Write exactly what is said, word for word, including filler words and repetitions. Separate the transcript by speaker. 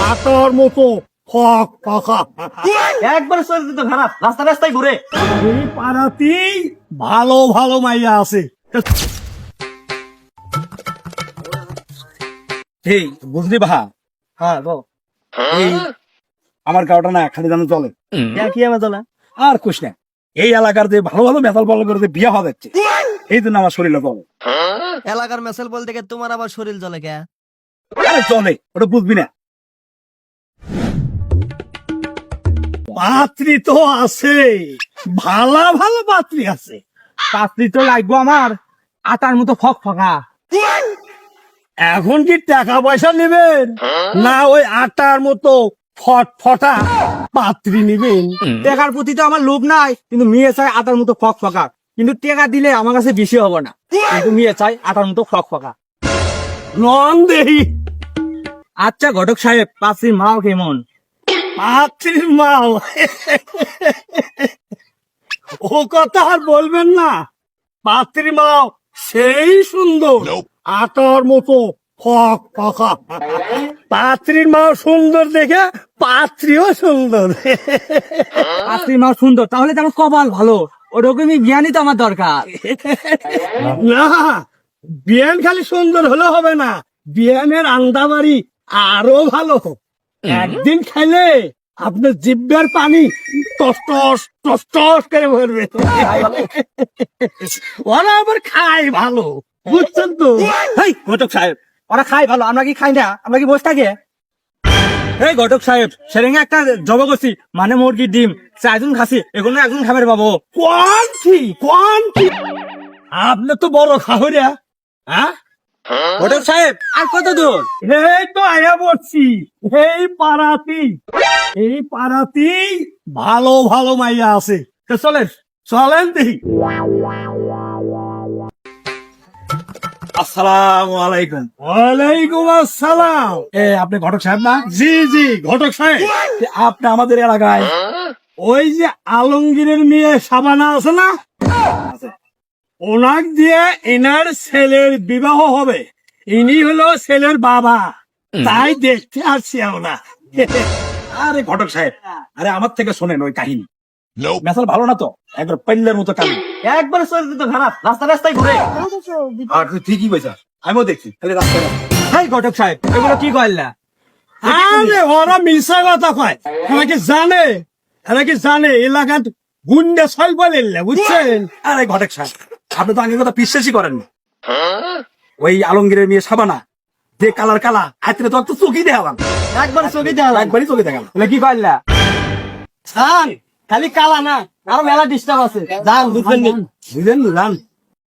Speaker 1: আটার মতো ফক ফকা।
Speaker 2: একবার শরীর তো খারাপ, রাস্তা রাস্তায় ঘুরে।
Speaker 1: এই পাড়াতেই ভালো ভালো মাইয়া আছে। এই বুঝলি ভা,
Speaker 2: হ্যাঁ বল।
Speaker 1: এই আমার গাওটা না খালি জানো চলে
Speaker 2: কি আমার চলা?
Speaker 1: আর কুছ না। এই এলাকার যে ভালো ভালো মেথাল বল করে যে বিয়ে হওয়া যাচ্ছে, এই জন্য আমার শরীরে চলে।
Speaker 2: এলাকার মেসেল বলতে গিয়ে তোমার আবার শরীর জ্বলে কে?
Speaker 1: আরে চলে, ওটা বুঝবি না। পাত্রী তো আছে, ভালো ভালো পাত্রী আছে।
Speaker 2: পাত্রী তো লাগবো আমার, আটার মতো ফক ফকা।
Speaker 1: এখন কি টাকা পয়সা নেবেন না ওই আটার মতো ফট ফটা পাত্রী নেবেন?
Speaker 2: টেকার প্রতি তো আমার লোভ নাই, কিন্তু মেয়ে চাই আটার মতো ফক ফকা। কিন্তু টেকা দিলে আমার কাছে বেশি হবে না, কিন্তু মেয়ে চাই আটার মতো ফক ফকা।
Speaker 1: নন দেহি।
Speaker 2: আচ্ছা ঘটক সাহেব, পাত্রীর মাও কেমন?
Speaker 1: পাত্রীর মাও ও কথা আর বলবেন না। পাত্রীর মাও সেই সুন্দর, আটার মতো ফক ফকা। পাত্রীর মাও সুন্দর দেখে পাত্রীও সুন্দর।
Speaker 2: পাত্রীর মাও সুন্দর, তাহলে তো আমার কপাল ভালো। ওরকমই জ্ঞানই তো আমার দরকার।
Speaker 1: না, বিয়ান খালি সুন্দর হলে হবে না, বিয়ানের আন্দাবাড়ি আরো ভালো। একদিন খাইলে আপনার জিব্বার পানি টস টস টস টস করে ভরবে। ওরা আবার খায় ভালো, বুঝছেন তো?
Speaker 2: হেই ঘটক সাহেব, ওরা খাই ভালো, আমরা কি খাই না? আমরা কি বসে থাকি? এই ঘটক সাহেব, সেরেঙ্গে একটা জব করছি, মানে মুরগির ডিম চারজন খাসি, এগুলো একজন খাবার পাবো।
Speaker 1: কোয়ান্টি কোয়ান্টি আপনি তো বড় খাহরিয়া। হ্যাঁ
Speaker 2: ঘটক সাহেব, আর কত দূর?
Speaker 1: এই তো আয়া পড়ছি। এই পাড়াতি এই পাড়াতি ভালো ভালো মাইয়া আছে। তো চলেন চলেন দেখি।
Speaker 2: আসসালামু আলাইকুম।
Speaker 1: ওয়ালাইকুম আসসালাম। এ আপনি ঘটক সাহেব না? জি জি ঘটক সাহেব। এ, আপনি আমাদের এলাকায় ওই যে আলমগীরের মেয়ে সাবানা আছে না, ওনাক দিয়ে এনার ছেলের বিবাহ হবে। ইনি হলো ছেলের বাবা, তাই দেখতে আসছি আমরা। আরে ঘটক সাহেব, আরে আমার থেকে শোনেন ওই কাহিনী। মেসাল ভালো না তো, একবার পেল্লের মতো কাহিনী।
Speaker 2: একবার শরীর তো খারাপ, রাস্তা রাস্তায় ঘুরে।
Speaker 1: আর তুই ঠিকই বলছিস, আমিও দেখছি খালি রাস্তায় রাস্তায়।
Speaker 2: হেই ঘটক সাহেব, এগুলো কি করলা?
Speaker 1: আরে ওরা মিশা কথা কয়, এরা কি জানে, এরা কি জানে এলাকার গুন্ডা ছয় বলে, বুঝছেন? আরে ঘটক সাহেব, আপনি তো আগের কথা বিশ্বাসই করেন না। ওই আলমগীরের মেয়ে সাবানা যে কালার কালা হাতে তো একটু চোখই দেখালাম,
Speaker 2: একবার চোখে দেওয়া,
Speaker 1: একবারই চোখে দেখালাম।
Speaker 2: এগুলো কি করলা? খালি কালা না, আরো মেলা ডিস্টার্ব আছে। যান বুঝবেন নি।
Speaker 1: বুঝলেন, জান